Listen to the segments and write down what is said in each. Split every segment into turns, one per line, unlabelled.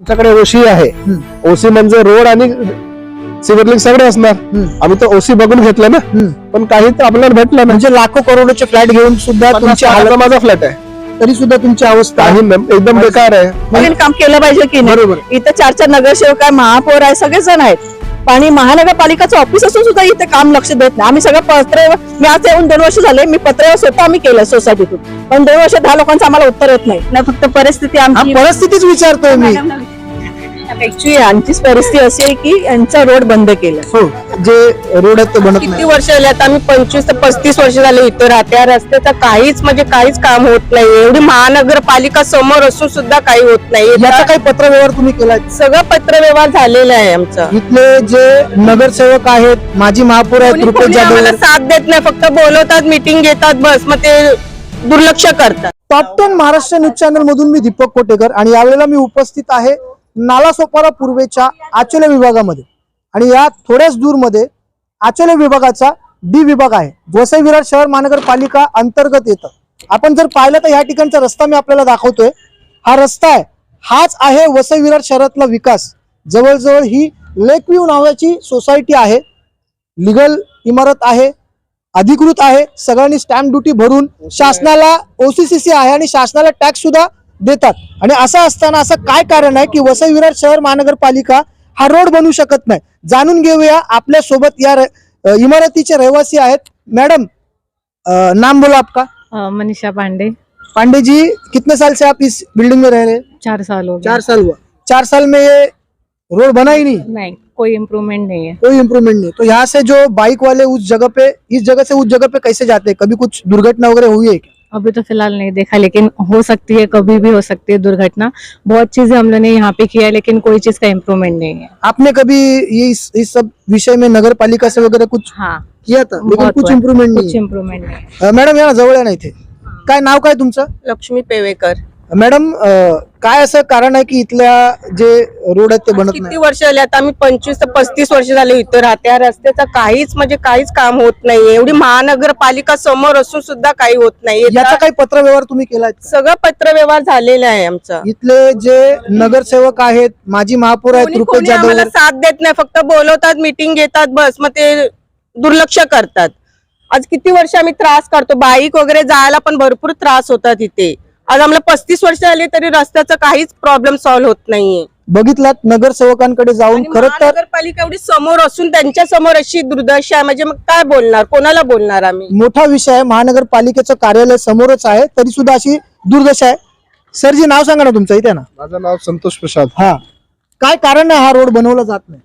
आमच्याकडे ओशी आहे. ओसी म्हणजे रोड आणि सिव्हिल सगळे असणार. आम्ही तर ओसी बघून घेतलं ना, पण काही तर आपल्याला भेटलं ना.
म्हणजे लाखो करोडोचे फ्लॅट घेऊन सुद्धा तुमची हालत,
माझा फ्लॅट आहे
तरी सुद्धा तुमची अवस्था
काही एकदम बेकार आहे.
नवीन काम केलं पाहिजे की नाही.
बरोबर.
इथे 4 नगरसेवक आहे, महापौर आहे, सगळे जण आहेत. आणि महानगरपालिकाचं ऑफिस असून सुद्धा इथे काम लक्ष देत नाही. आम्ही सगळं पत्र, मी आज येऊन 2 वर्ष झाले, मी पत्र स्वतः आम्ही केलं सोसायटीतून, पण 2 वर्ष 10 लोकांचं आम्हाला उत्तर येत नाही ना. फक्त परिस्थिती आमची
परिस्थितीच विचारतोय मी.
ऍक्च्युली आमचीच परिस्थिती अशी आहे की यांचा रोड बंद केला.
हो, जे रोड आहेत ते बनत
किती
नाही.
वर्ष झाले आता, आम्ही 25 ते 35 वर्ष झाले इथं राहते. या रस्त्याचं काहीच म्हणजे काहीच काम होत नाही. एवढी महानगरपालिका समोर असून सुद्धा काही होत नाही.
याचा काही पत्रव्यवहार तुम्ही केलाय?
सगळं पत्रव्यवहार झालेला आहे आमचा.
इथले जे नगरसेवक आहेत, माजी महापौर आहेत, रुपेश
कोणी
जाधव,
आम्हाला साथ देत नाही. फक्त बोलवतात, मीटिंग घेतात, बस मग ते दुर्लक्ष करतात.
टॉप 10 महाराष्ट्र न्यूज चॅनल मधून मी दीपक कोटेकर आणि यावेळेला मी उपस्थित आहे नालासोपारा पूर्वेच्या आचोले विभागामध्ये. आणि या थोड्याच दूर मध्ये आचोले विभागाचा डी विभाग आहे. वसई विरार शहर महानगरपालिका अंतर्गत येतं. आपण जर पाहिलं तर या ठिकाणचा रस्ता मी आपल्याला दाखवतोय. हा रस्ता आहे, हाच आहे वसई विरार शहरातला विकास. जवळजवळ ही लेकव्ह्यू नावाची सोसायटी आहे, लिगल इमारत आहे, अधिकृत आहे, सगळ्यांनी स्टॅम्प ड्युटी भरून शासनाला OCCC आहे आणि शासनाला टॅक्स सुद्धा देतात. आणि असं असताना असं काय कारण आहे की वसई विरार शहर महानगरपालिका हा रोड बनवू शकत नाही? जाणून घेऊया. आपल्या सोबत या इमारतीचे रहिवासी आहेत. मैडम, नाम बोला आपका?
मनीषा पांडे।
पांडे जी, कितने साल से आप इस बिल्डिंग में रह रहे हैं?
4 साल हो गए।
4 साल हुआ। 4 साल में ये रोड बना ही
नहीं, कोई इम्प्रूवमेंट नहीं है।
कोई इम्प्रूवमेंट नहीं। तो यहाँ से जो बाइक वाले उस जगह पे, इस जगह से उस जगह पे कैसे जाते हैं? कभी कुछ दुर्घटना वगैरह हुई है क्या?
अभी तो फिलहाल नहीं देखा, लेकिन हो सकती है, कभी भी हो सकती है दुर्घटना। बहुत चीजें हम लोगों ने यहाँ पे किया है, लेकिन कोई चीज का इम्प्रूवमेंट नहीं है।
आपने कभी ये इस सब विषय में नगर पालिका से वगैरह कुछ
हाँ,
किया था, लेकिन
बहुत
कुछ
हुआ है।
इम्प्रूवमेंट नहीं
कुछ
है?
इम्प्रूवमेंट नहीं।
मॅडम या जवळ नाही थे. काय नाव काय तुमचं?
लक्ष्मी पेवेकर.
मॅडम, काय असं कारण आहे की इथल्या जे रोड आहेत ते बनत
किती
नाही?
वर्ष झाले आता, आम्ही 25 ते 35 वर्ष झाले इथं राहते. या रस्त्याचं काहीच म्हणजे काहीच काम होत नाही. एवढी महानगरपालिका समोर असून सुद्धा काही होत नाही.
याचा काही पत्रव्यवहार तुम्ही केलाय?
सगळं पत्रव्यवहार झालेला आहे आमचा.
इथले जे नगरसेवक आहेत, माजी महापौर आहेत,
कोणी
रुपेश जाधव,
आम्हाला साथ देत नाही. फक्त बोलवतात, मीटिंग घेतात, बस मग ते दुर्लक्ष करतात. आज किती वर्ष आम्ही त्रास काढतो. बाईक वगैरे जायला पण भरपूर त्रास होतात इथे. आज आम्हाला 35 वर्ष झाले तरी रस्त्याचा काहीच प्रॉब्लेम सॉल्व्ह होत नाहीये.
बघितलात नगरसेवकांकडे जाऊन.
आणि
खरं तर
महानगरपालिका एवढी समोर असून त्यांच्या समोर अशी दुर्दशा आहे, म्हणजे मग काय बोलणार, कोणाला बोलणार आम्ही?
मोठा विषय आहे. महानगरपालिकेचं कार्यालय समोरच आहे, तरी सुद्धा अशी दुर्दशा आहे. सरजी, नाव सांगा ना तुमचं इथे ना.
माझं नाव संतोष प्रसाद.
हा, काय कारण आहे हा रोड बनवला जात नाही?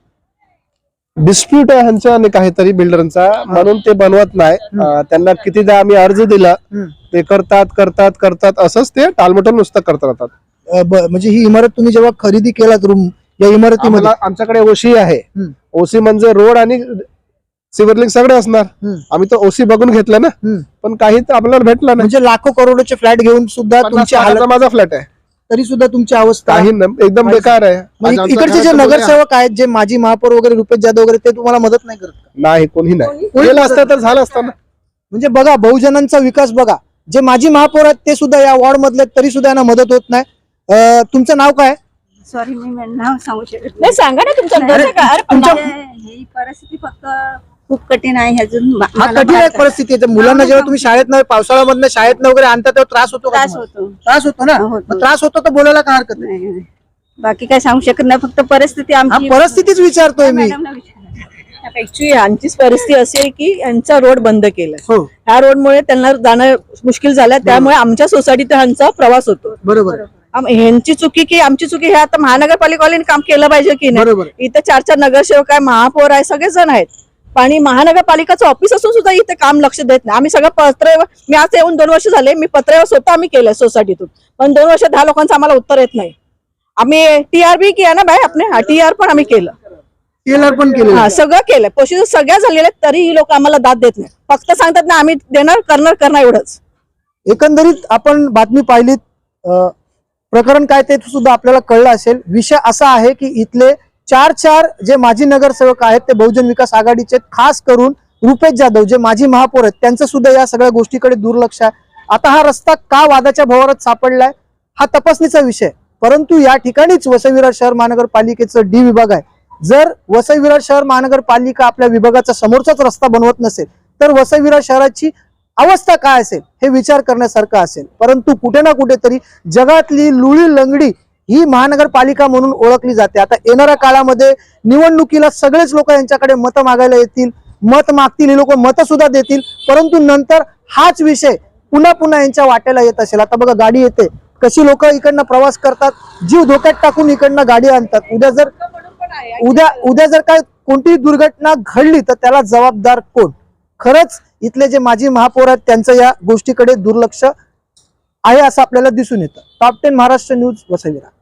डिस्प्यूट आहे ह्यांचा आणि काहीतरी बिल्डरचा, म्हणून ते बनवत नाही. त्यांना कितीदा आम्ही अर्ज दिला, ते करतात असंच ते टालमटोल नुसतं करत राहतात.
म्हणजे ही इमारत तुम्ही जेव्हा खरेदी केलात रूम, या इमारतीमध्ये
आमच्याकडे ओशी आहे. ओसी म्हणजे रोड आणि सिव्हिल सगळे असणार. आम्ही तर ओसी बघून घेतलं ना, पण काही तर आपल्याला भेटलं नाही.
म्हणजे लाखो करोडचे फ्लॅट घेऊन सुद्धा तुमची हालत,
माझा फ्लॅट आहे
तरी सुद्धा तुमची अवस्था
काही एकदम बेकार आहे.
इकडचे जे नगरसेवक आहेत, जे माजी महापौर वगैरे रुपेश जाधव वगैरे, ते तुम्हाला मदत नाही करत?
नाही, कोणी नाही. केलं असतं तर झालं असतं ना.
म्हणजे बघा, बहुजनांचा विकास बघा. जे माजी महापौर आहेत ते सुद्धा या वॉर्ड मधले, तरी सुद्धा यांना मदत होत नाही. तुमचं नाव काय?
सॉरी, मी नाव सांगू शकत
नाही. सांगा ना तुमच्या
ही परिस्थिती फक्त खूप कठीण आहे. अजून
कठीण आहे परिस्थिती आहे. मुलांना जेव्हा तुम्ही शाळेत नाही, पावसाळ्यामधनं शाळेत वगैरे आणता तेव्हा त्रास होतो का
त्रास
तुम्हाला?
होतो.
त्रास होतो ना.
होतो.
मग त्रास होतो तर बोलायला काय हरकत नाही.
नाही, बाकी काय सांगू शकत नाही. फक्त परिस्थिती आमची.
परिस्थितीच विचारतोय मी.
मॅडमला विचारा.
ऍक्च्युली आमचीच परिस्थिती अशी आहे की यांचा रोड बंद केला.
हो,
ह्या रोडमुळे त्यांना जाणं मुश्किल झालं. त्यामुळे आमच्या सोसायटीत ह्यांचा प्रवास होतो.
बरोबर.
ह्यांची चुकी की आमची चुकी, हे आता महानगरपालिकावाल्यांनी काम केलं पाहिजे की नाही.
बरोबर.
इथे 4 नगरसेवक आहे, महापौर आहे, सगळे जण आहेत. आणि महानगरपालिकाचं ऑफिस असून सुद्धा इथे काम लक्ष देत नाही. आम्ही सगळं पत्र, मी आज येऊन 2 वर्ष झाले, मी पत्र स्वतः आम्ही केलं सोसायटीतून, पण 2 वर्ष 10 लोकांचं आम्हाला उत्तर येत नाही. आम्ही TR बी केला ना बाय, आपले TR पण आम्ही केलं,
टेलर पण केलं.
हा, सगळं केलं, प्रोसिजर सगळ्या झालेल्या, तरी ही लोक आम्हाला दाद देत नाही. फक्त सांगतात ना आम्ही देणार, करणार एवढंच.
एकंदरीत आपण बातमी पाहिलीत, प्रकरण काय ते सुद्धा आपल्याला कळलं असेल. विषय असा आहे की इथले 4 जे माजी नगरसेवक आहेत ते बहुजन विकास आघाडीचे, खास करून रुपेश जाधव जे माजी महापौर आहेत, त्यांचं सुद्धा या सगळ्या गोष्टीकडे दुर्लक्ष आहे. आता हा रस्ता का वादाच्या भोवरात सापडलाय हा तपासणीचा विषय. परंतु या ठिकाणीच वसई विरार शहर महानगरपालिकेचं डी विभाग आहे. जर वसई विरार शहर महानगरपालिका आपल्या विभागाचा समोरचाच रस्ता बनवत नसेल तर वसई विरार शहराची अवस्था काय असेल हे विचार करण्यासारखं असेल. परंतु कुठे ना कुठेतरी जगातली लुळी लंगडी ही महानगरपालिका म्हणून ओळखली जाते. आता येणाऱ्या काळामध्ये निवडणुकीला सगळेच लोक यांच्याकडे मतं मागायला येतील, मत मागतील, हे लोक मतं सुद्धा देतील, परंतु नंतर हाच विषय पुन्हा पुन्हा यांच्या वाट्याला येत असेल. आता बघा गाडी येते, कशी लोक इकडनं प्रवास करतात, जीव धोक्यात टाकून इकडनं गाडी आणतात. उद्या जर काय कोणतीही दुर्घटना घडली तर त्याला जबाबदार कोण? खरंच इथले जे माजी महापौर आहेत त्यांचं या गोष्टीकडे दुर्लक्ष आहे असं आपल्याला दिसून येतं. Top 10 Maharashtra news, Vasai Virar.